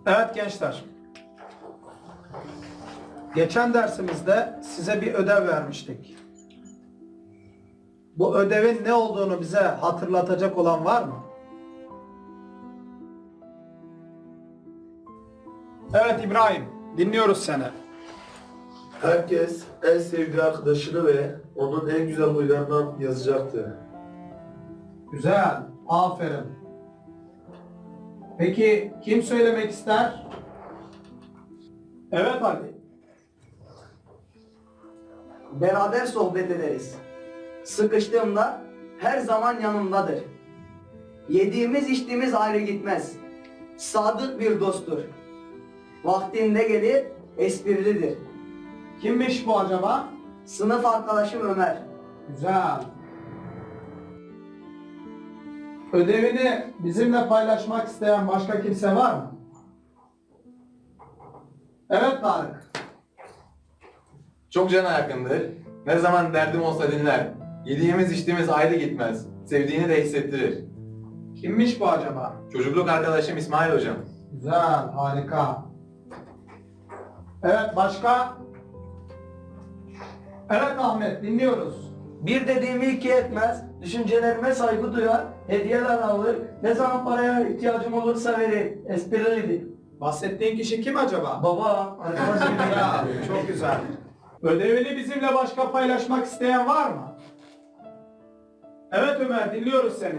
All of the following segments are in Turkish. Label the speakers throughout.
Speaker 1: Evet gençler. Geçen dersimizde size bir ödev vermiştik. Bu ödevin ne olduğunu bize hatırlatacak olan var mı? Evet İbrahim, dinliyoruz seni.
Speaker 2: Herkes en sevdiği arkadaşını ve onun en güzel huylarından yazacaktı.
Speaker 1: Güzel, aferin. Peki kim söylemek ister? Evet Ali.
Speaker 3: Beraber sohbet ederiz. Sıkıştığımda her zaman yanımdadır. Yediğimiz içtiğimiz ayrı gitmez. Sadık bir dosttur. Vaktinde gelir, esprilidir.
Speaker 1: Kimmiş bu acaba?
Speaker 3: Sınıf arkadaşım Ömer.
Speaker 1: Güzel. Ödevini bizimle paylaşmak isteyen başka kimse var mı? Evet Tarık.
Speaker 4: Çok cana yakındır. Ne zaman derdim olsa dinler. Yediğimiz içtiğimiz ayrı gitmez. Sevdiğini de hissettirir.
Speaker 1: Kimmiş bu acaba?
Speaker 4: Çocukluk arkadaşım İsmail hocam.
Speaker 1: Güzel, harika. Evet, başka? Evet Ahmet, dinliyoruz.
Speaker 3: Bir dediğimi iki etmez, düşüncelerime saygı duyar, hediyeler alır, ne zaman paraya ihtiyacım olursa verir, esprilidir.
Speaker 1: Bahsettiğin kişi kim acaba?
Speaker 3: Baba, arkadaş gibi ya.
Speaker 1: Ya, çok güzel. Ödevini bizimle başka paylaşmak isteyen var mı? Evet Ömer, dinliyoruz seni.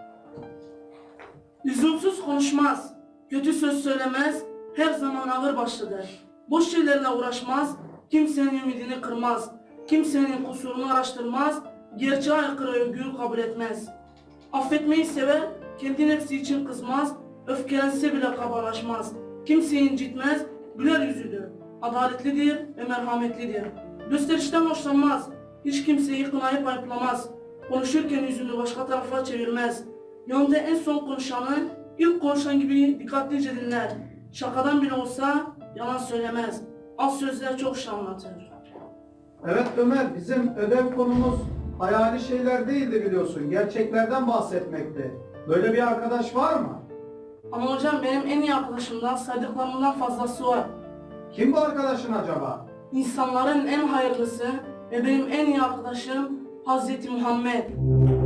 Speaker 5: Lüzumsuz konuşmaz, kötü söz söylemez, her zaman ağır başlıdır. Boş şeylerle uğraşmaz, kimsenin ümidini kırmaz, kimsenin kusurunu araştırmaz, gerçeğe aykırı övgüyü kabul etmez. Affetmeyi sever, kendi nefsi için kızmaz, öfkelense bile kabalaşmaz. Kimseyi incitmez, güler yüzlüdür, adaletlidir ve merhametlidir. Gösterişten hoşlanmaz, hiç kimseyi kınayıp ayıplamaz. Konuşurken yüzünü başka tarafa çevirmez. Yanında en son konuşanı ilk konuşan gibi dikkatlice dinler. Şakadan bile olsa yalan söylemez. Az sözler çok şey anlatır.
Speaker 1: Evet Ömer, bizim ödev konumuz hayali şeyler değildi biliyorsun. Gerçeklerden bahsetmekti. Böyle bir arkadaş var mı?
Speaker 5: Ama hocam benim en iyi arkadaşımdan saydıklarımdan fazlası var.
Speaker 1: Kim bu arkadaşın acaba?
Speaker 5: İnsanların en hayırlısı ve benim en iyi arkadaşım Hazreti Muhammed.